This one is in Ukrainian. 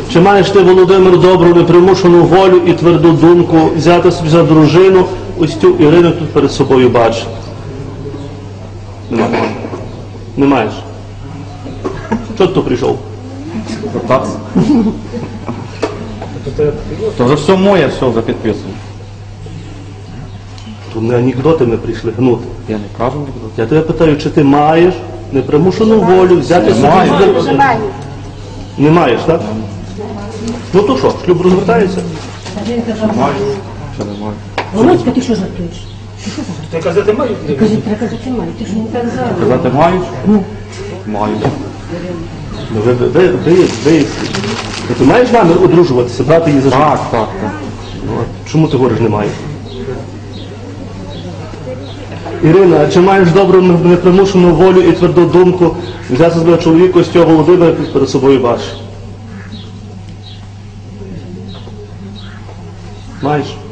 Чи маєш ти, Володимир, добру, непримушену волю і тверду думку взяти собі за дружину ось цю Ірину тут перед собою бачиш? Немає. Не маєш. Чого ти тут прийшов? Так. То вже все моє, все вже підписано. Тут не анекдоти ми прийшли гнути. Я не кажу анекдот. Я тебе питаю, чи ти маєш непримушену волю взяти собі за дружину? Не маєш, так? Ну то що, шлюб розвертається? Маю. Ще не маю. Володька, ти що жартуєш? Ти казати маю? Треба казати маю, ти ж не так зараз. Казати мають? Маю. Ну, ти маєш намір одружуватися, брати її за життя? Так. Ну, а чому ти говориш, не маєш? Ірина, а чи маєш добру непримушену волю і тверду думку взяти себе чоловіка ось цього Володимира перед собою бачиш? Маєш?